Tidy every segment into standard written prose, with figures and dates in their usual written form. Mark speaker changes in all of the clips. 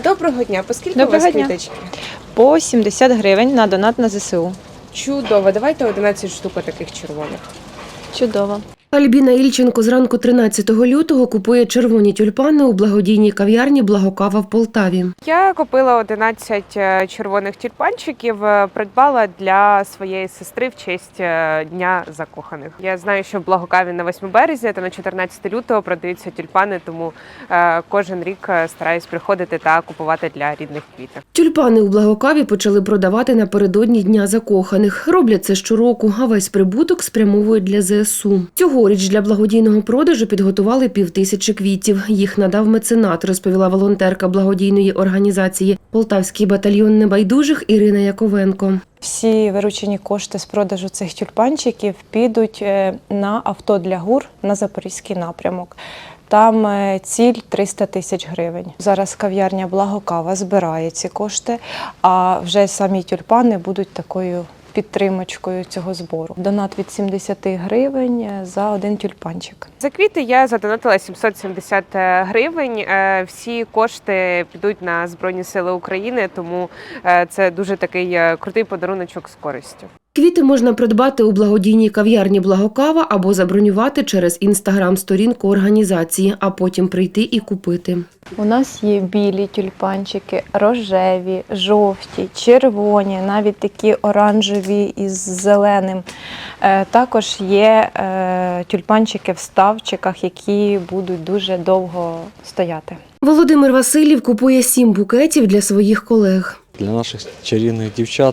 Speaker 1: Доброго дня. Поскільки у
Speaker 2: Доброго
Speaker 1: вас
Speaker 2: дня.
Speaker 1: квіточки?
Speaker 2: По 70 гривень на донат на ЗСУ.
Speaker 1: Чудово. Давайте 11 штук таких червоних.
Speaker 2: Чудово.
Speaker 3: Альбіна Ільченко зранку 13 лютого купує червоні тюльпани у благодійній кав'ярні «Благокава» в Полтаві.
Speaker 1: Я купила 11 червоних тюльпанчиків, придбала для своєї сестри в честь Дня закоханих. Я знаю, що в Благокаві на 8 березня та на 14 лютого продаються тюльпани, тому кожен рік стараюсь приходити та купувати для рідних квітів.
Speaker 3: Тюльпани у Благокаві почали продавати напередодні Дня закоханих. Роблять це щороку, а весь прибуток спрямовують для ЗСУ. Цьогоріч для благодійного продажу підготували 5000 квітів. Їх надав меценат, розповіла волонтерка благодійної організації «Полтавський батальйон небайдужих» Ірина Яковенко.
Speaker 4: Всі виручені кошти з продажу цих тюльпанчиків підуть на авто для ГУР на Запорізький напрямок. Там ціль 300 тисяч гривень. Зараз кав'ярня «Благокава» збирає ці кошти, а вже самі тюльпани будуть такою підтримочкою цього збору. Донат від 70 гривень за один тюльпанчик.
Speaker 1: За квіти я задонатила 770 гривень. Всі кошти підуть на Збройні Сили України, тому це дуже такий крутий подаруночок з користю.
Speaker 3: Квіти можна придбати у благодійній кав'ярні «Благокава» або забронювати через інстаграм-сторінку організації, а потім прийти і купити.
Speaker 4: У нас є білі тюльпанчики, рожеві, жовті, червоні, навіть такі оранжеві із зеленим. Також є тюльпанчики в ставчиках, які будуть дуже довго стояти.
Speaker 3: Володимир Васильєв купує 7 букетів для своїх колег.
Speaker 5: Для наших чарівних дівчат,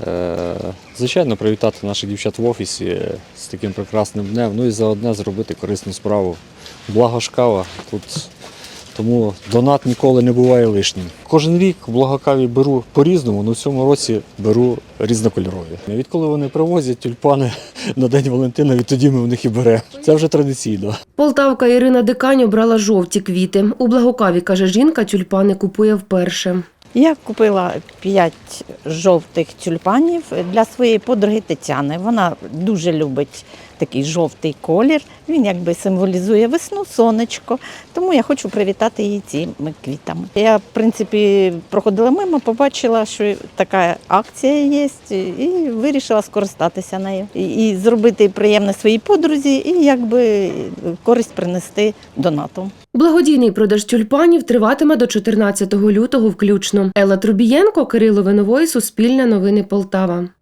Speaker 5: звичайно, привітати наших дівчат в офісі з таким прекрасним днем, ну і заодне зробити корисну справу. Благо ж кава тут, тому донат ніколи не буває лишнім. Кожен рік в Благокаві беру по-різному, але в цьому році беру різнокольорові. Відколи вони привозять тюльпани на День Валентина, відтоді ми в них і беремо. Це вже традиційно.
Speaker 3: Полтавка Ірина Дикань обрала жовті квіти. У Благокаві, каже жінка, тюльпани купує вперше.
Speaker 6: Я купила 5 жовтих тюльпанів для своєї подруги Тетяни. Вона дуже любить такий жовтий колір. Він якби символізує весну, сонечко. Тому я хочу привітати її цими квітами. Я, в принципі, проходила мимо, побачила, що така акція є, і вирішила скористатися нею. І зробити приємне своїй подрузі, і якби користь принести донату.
Speaker 3: Благодійний продаж тюльпанів триватиме до 14 лютого включно. Елла Трубієнко, Кирило Виновой, Суспільне новини Полтава.